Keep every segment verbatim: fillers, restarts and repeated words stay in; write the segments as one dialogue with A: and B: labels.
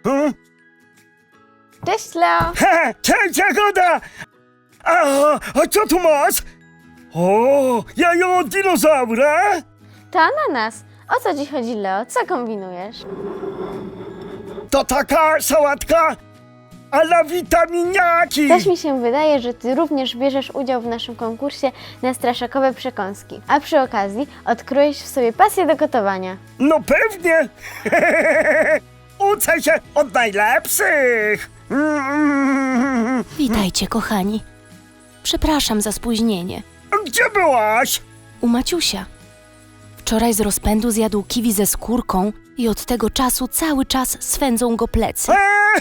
A: Hmm?
B: Cześć, Leo.
A: He, cześć, Jagoda! A, a co tu masz? O, jajo od dinozaura?
B: To ananas. O co ci chodzi, Leo? Co kombinujesz?
A: To taka sałatka a la witaminiaki.
B: Też mi się wydaje, że ty również bierzesz udział w naszym konkursie na straszakowe przekąski. A przy okazji odkryjesz w sobie pasję do gotowania.
A: No pewnie. Uczę się od najlepszych. Mm.
C: Witajcie, kochani. Przepraszam za spóźnienie.
A: Gdzie byłaś?
C: U Maciusia. Wczoraj z rozpędu zjadł kiwi ze skórką i od tego czasu cały czas swędzą go plecy.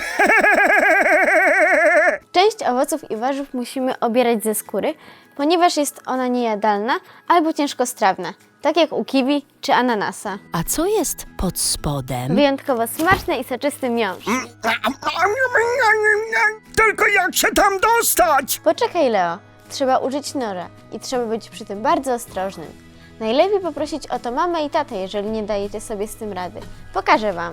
B: Część owoców i warzyw musimy obierać ze skóry, ponieważ jest ona niejadalna albo ciężkostrawna, tak jak u kiwi czy ananasa.
C: A co jest pod spodem?
B: Wyjątkowo smaczny i soczysty miąższ.
A: Tylko jak się tam dostać?
B: Poczekaj, Leo. Trzeba użyć noża i trzeba być przy tym bardzo ostrożnym. Najlepiej poprosić o to mamę i tatę, jeżeli nie dajecie sobie z tym rady. Pokażę wam.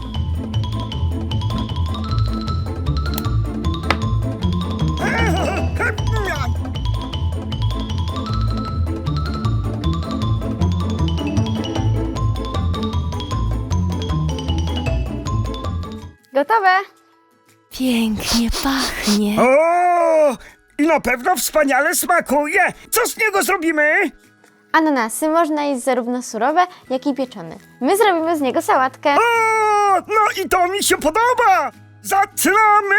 B: Gotowe?
C: Pięknie pachnie.
A: O, i na pewno wspaniale smakuje. Co z niego zrobimy?
B: Ananasy można jeść zarówno surowe, jak i pieczone. My zrobimy z niego sałatkę.
A: O, no i to mi się podoba. Zaczynamy!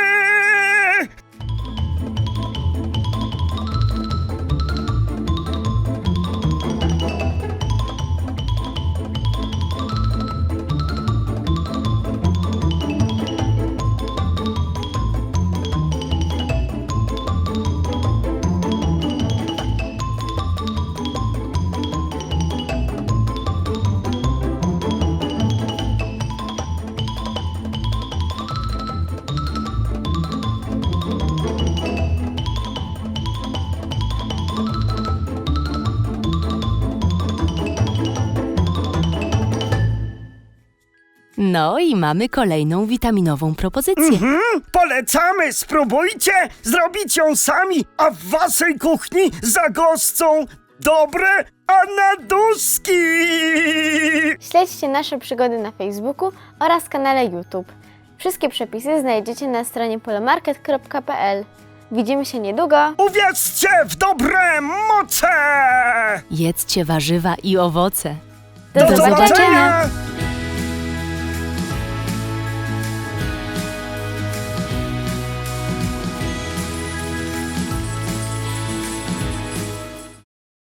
C: No i mamy kolejną witaminową propozycję.
A: Mhm, polecamy, spróbujcie zrobić ją sami, a w waszej kuchni zagoszczą dobre anaduski.
B: Śledźcie nasze przygody na Facebooku oraz kanale YouTube. Wszystkie przepisy znajdziecie na stronie polomarket kropka p l. Widzimy się niedługo.
A: Uwierzcie w dobre moce!
C: Jedzcie warzywa i owoce.
B: Do
C: Do zobaczenia.
A: zobaczenia.